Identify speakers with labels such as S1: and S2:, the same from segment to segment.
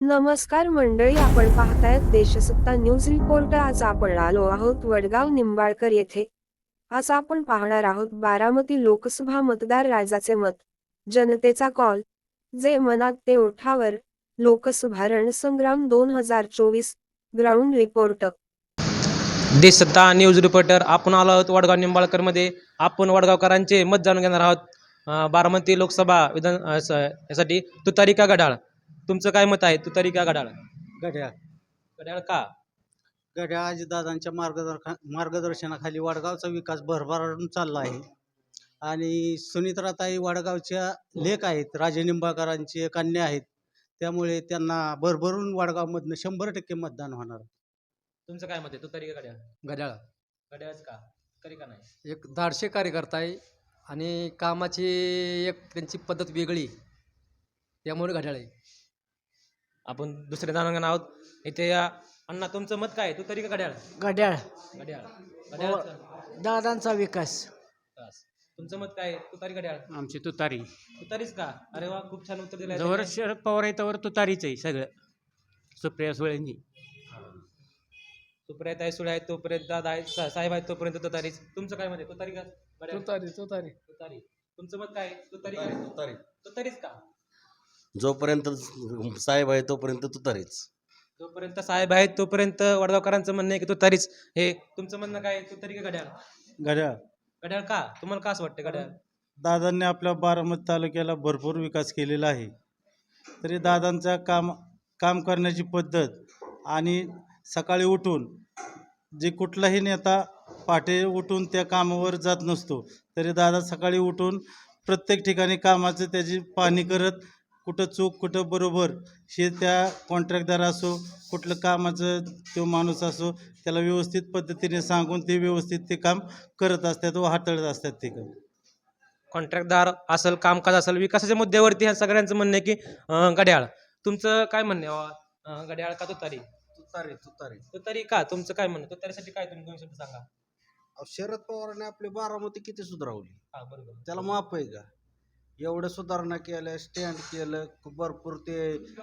S1: नमस्कार मंडळी, आपण पाहतायत देशसत्ता न्यूज रिपोर्ट। आज आपण आलो आहोत वडगाव निंबाळकर येथे। आज आपण पाहणार आहोत बारामती लोकसभा मतदार राजाचे मत, जनतेचा कॉल, जे मनात ते ओठावर, लोकसभा रणसंग्राम 2024 ground report.
S2: Deshsatta news reporter आपण आलो आहोत वडगाव निंबाळकरमध्ये। आपण वडगावकरांचे मत जाणून घेणार आहोत। बारामती लोकसभा यासाठी तुतारी का घड्याळ, तुमचं काय मत आहे? तुतारी का घड्याळ?
S3: घड्याळ.
S2: घड्याळ का?
S3: घड्याळ अजितदादांच्या मार्गदर्शनाखाली वडगावचा विकास भरभराटून चालला आहे आणि सुनित्राताई वडगावच्या लेक आहेत, राजे निंबाळकरांची कन्या आहेत, त्यामुळे त्यांना भरभरून वडगावमधनं 100% मतदान होणार.
S2: तुमचं काय मत आहे? तुतारी का घड्याळ?
S4: घड्याळ.
S2: घड्याळच का? तरी का नाही?
S4: एक धाडशी कार्यकर्ता आहे आणि कामाची एक त्यांची पद्धत वेगळी, त्यामुळे घड्याळ आहे.
S2: आपण दुसरे जाणून घेणार आहोत इथे या अण्णा, तुमचं मत काय? तुतारी का घड्याळ?
S5: घड्याळ.
S2: घड्याळ. घड्याळ.
S5: दादांचा विकास.
S2: तुमचं मत काय? तुतारी घड्याळ?
S6: आमची तुतारी.
S2: तुतारीच का? अरे वा, खूप छान उत्तर दिलं
S6: जवळ शरद पवार आहे तवर तुतारीच आहे सगळं. सुप्रिया सुळेंनी.
S2: सुप्रियाताई सुळे आहेत तोपर्यंत, दादा आहेत, साहेब आहेत तोपर्यंत तुतारीच. तुमचं काय म्हणते? तुतारी का घड्याळ?
S5: तुतारी.
S2: तुतारी. तुमचं मत काय? तुतारी का?
S7: तुतारी.
S2: तुतारीच का?
S7: जोपर्यंत साहेब आहे तोपर्यंत तुतारीच.
S2: जोपर्यंत साहेब आहेत तोपर्यंत वडगावकरांचं म्हणणं आहे की तुतारीच. हे तुमचं म्हणणं काय? तुतारी का घड्याळ?
S3: घड्याळ.
S2: घड्याळ का? तुम्हाला का असं वाटतं घड्याळ?
S3: दादांनी आपल्या बारामती तालुक्याला भरपूर विकास केलेला आहे, तरी दादांचा काम करण्याची पद्धत आणि सकाळी उठून जे कुठलाही नेता पहाटे उठून त्या कामावर जात नसतो, तरी दादा सकाळी उठून प्रत्येक ठिकाणी कामाचं त्याची पाहणी करत, कुठं चूक कुठं बरोबर हे त्या कॉन्ट्रॅक्टदार असो, कुठलं कामाचं तो माणूस असो, त्याला व्यवस्थित पद्धतीने सांगून ते व्यवस्थित ते काम करत असतात व हाताळत असतात ते काम.
S2: कॉन्ट्रॅक्टदार असेल, कामकाज असेल, विकासाच्या मुद्द्यावरती ह्या सगळ्यांचं म्हणणं आहे की घड्याळ. तुमचं काय म्हणणं आहे बाबा? घड्याळ का तुतारी?
S8: तुतारी. तुतारी.
S2: तुतारी का? तुमचं काय म्हणणं? तुतारीसाठी काय तुम्ही 2 शब्द सांगा.
S8: शरद पवारांनी आपली बारामती किती सुधारवली,
S2: हा, बरोबर.
S8: त्याला माफ आहे का? एवढं सुधारणा केल्या, स्टँड केलं, भरपूर ते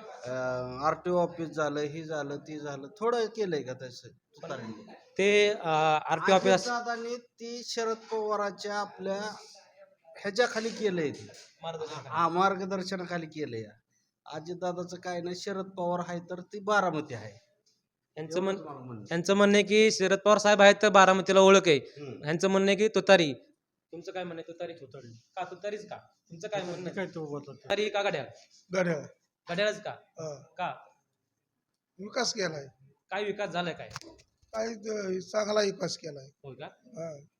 S8: RTO ऑफिस झालं, हे झालं, ते झालं, थोडं केलंय का तसं तुतारीने?
S2: ते RTO ऑफिस
S8: दादांनी ती शरद पवारांच्या आपल्या ह्याच्याखाली केलंय, ते मार्गदर्शनाखाली केलंय. अजितदादाचं काय नाही, शरद पवार आहे तर ती बारामती आहे.
S2: यांचं म्हणणं आहे की शरद पवार साहेब आहेत तर बारामतीला ओळख आहे. यांचं म्हणणं आहे की तुतारी. तुमचं काय म्हणणं आहे? तुतारी. का? तुतारीच का? तुमचं काय म्हणणं आहे? तुतारी का घड्याळ?
S9: घड्याळ.
S2: घड्याळच का? का?
S9: विकास केलाय,
S2: काय विकास झालाय? काय
S9: काय चांगला विकास केलाय.
S2: होय का?